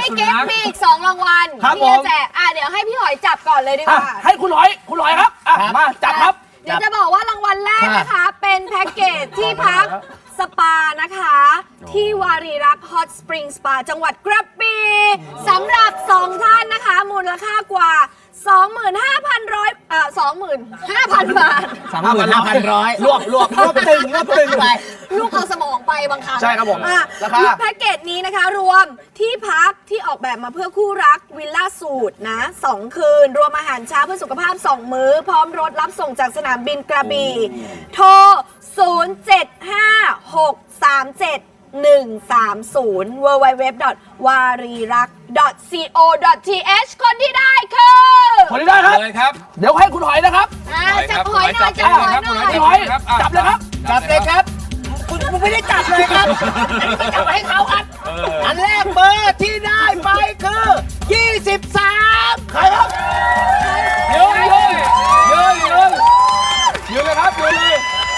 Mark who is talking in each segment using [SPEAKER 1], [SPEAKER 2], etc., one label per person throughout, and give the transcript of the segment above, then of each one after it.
[SPEAKER 1] กิฟต์มีอีก2รางวัล
[SPEAKER 2] ครับ
[SPEAKER 1] ที่จะแจกเดี๋ยวให้พี่หอยจับก่อนเลยดีกว่า
[SPEAKER 2] ให้คุณหอยครับมาจับครับ
[SPEAKER 1] เดี๋ยวจะบอกว่ารางวัลแรกนะคะ เป็นแพ็กเกจที่พักสปานะคะ ที่วารีรักฮอตสปริงสปาจังหวัดกระบี่สำหรับ 2 ท่านนะคะ มูลค่ากว่า 25,500 บาท
[SPEAKER 3] 25,100
[SPEAKER 2] รวบตึงไป
[SPEAKER 1] ลูกเอาสมองไปบางครั้ง
[SPEAKER 2] ใช่ครับผมราคา
[SPEAKER 1] แพ็กเกจนี้นะคะรวมที่พักที่ออกแบบมาเพื่อคู่รักวิลล่าสูตรนะ2 คืน รวมอาหารเช้าเพื่อสุขภาพ 2 มื้อ พร้อมรถรับส่งจากสนามบินกระบี่โทร 075-637-130 www.warirak.co.th คนที่ได้คือ
[SPEAKER 2] คนที่ได้ครับ
[SPEAKER 4] เลยครับ
[SPEAKER 2] เดี๋ยวให้คุณหอยนะครับ
[SPEAKER 1] จับหอยหน่อยจับหอยหน่อย
[SPEAKER 2] คุณหอยจับเลยครับ
[SPEAKER 3] จับเลยครับคุณไม่ได้จับเลยครับจับให้เขาครับอันแรกเบอร์ที่ได้ไปคือ 23
[SPEAKER 2] ใครครับ
[SPEAKER 4] ยืนเลยครับยืนเลย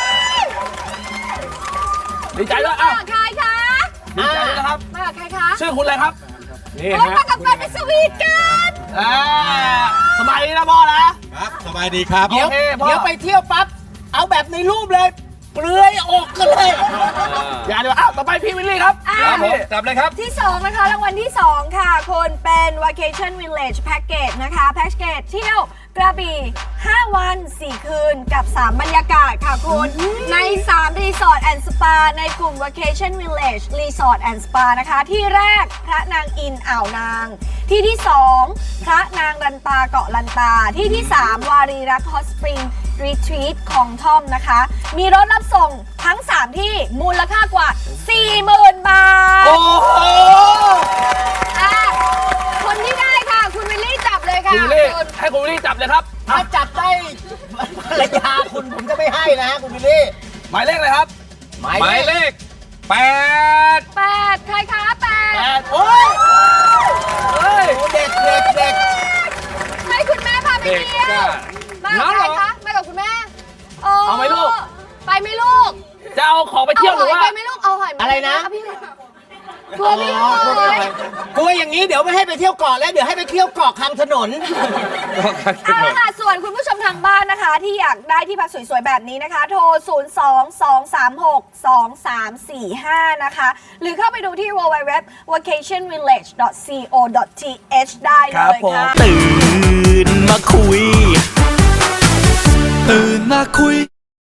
[SPEAKER 2] ดีใจด้วย
[SPEAKER 1] มากับใครคะ
[SPEAKER 2] ดีใจด้วยนะครับ
[SPEAKER 1] มากับใครคะ
[SPEAKER 2] ชื่อคุณอะไรครับ
[SPEAKER 4] นี่
[SPEAKER 1] โอ้
[SPEAKER 4] ฮะ
[SPEAKER 1] มากับแฟนไปสวีทกัน
[SPEAKER 2] สบายดีนะพ่อนะ
[SPEAKER 5] ครับสบายดีครับ
[SPEAKER 3] เดี๋ยว
[SPEAKER 2] โอเคพ่อ
[SPEAKER 3] เดี๋ยวไปเที่ยวปั๊บ เอาแบบในรูปเลย เปลือยอกกันเลย
[SPEAKER 2] อย่าเดี๋ยวต่อไปพี่วิลลี่ครับ
[SPEAKER 4] ครับผมจับเลยครับ
[SPEAKER 1] ที่ 2 นะคะรางวัลที่ 2 ค่ะคุณเป็น Vacation Village Package นะคะแพ็กเกจเที่ยวกระบี่ 5 วัน 4 คืนกับ 3 บรรยากาศค่ะคุณใน 3 รีสอร์ทแอนด์สปาในกลุ่ม Vacation Village Resort and Spa นะคะ ที่แรกพระนางอินอ่าวนาง ที่ที่ 2 พระนางลันตาเกาะลันตา ที่ที่ 3 วารีรักฮอตสปริงรีทรีตของท่อมนะคะ มีรถรับส่งทั้ง 3 ที่มูลค่ากว่า 40,000 บาท
[SPEAKER 2] โอ้โห
[SPEAKER 1] คนที่ได้ค่ะ คุณวิลลี่จับเลยค่ะ
[SPEAKER 2] คุณวิลลี่
[SPEAKER 1] คุณ
[SPEAKER 2] ให้คุณวิลลี่จับเลยครับ
[SPEAKER 3] ถ้าจับได้ภรรยาคุณผมจะไม่ให้นะคุณวิลลี่
[SPEAKER 2] หมายเลขเลยครับ
[SPEAKER 3] หมาย
[SPEAKER 4] หมาย
[SPEAKER 3] เล
[SPEAKER 4] เล
[SPEAKER 3] ข
[SPEAKER 4] ข 8
[SPEAKER 1] 8 ใครคะ 8
[SPEAKER 3] โอ้ย
[SPEAKER 2] เฮ้ย
[SPEAKER 3] เด็ก
[SPEAKER 1] ให้คุณแม่พาไป
[SPEAKER 4] เด็ก
[SPEAKER 1] เที่ยว
[SPEAKER 4] จ้า
[SPEAKER 1] มากับใครคะมากับคุณแม่
[SPEAKER 2] เอาไหมลูก
[SPEAKER 1] ไปไหมลูก
[SPEAKER 2] จะเอาของไปเที่ยวหรือว่า
[SPEAKER 1] ไปไหมลูก เอาหอยมา
[SPEAKER 3] อะไรนะ
[SPEAKER 1] พี่กลัวพี่หอย
[SPEAKER 3] กลัวอย่างนี้เดี๋ยวไม่ให้ไปเที่ยวเกาะแล้วเดี๋ยวให้ไปเที่ยวเกาะคำถนน
[SPEAKER 1] เอาละค่ะ ส่วนคุณผู้ชมทางบ้านนะคะ ที่อยากได้ที่พักสวยๆ แบบนี้นะคะ โทร 022362345 นะคะ หรือเข้าไปดูที่ www.vacationvillage.co.th ได้เลยค่ะ
[SPEAKER 6] ตื่นมาคุย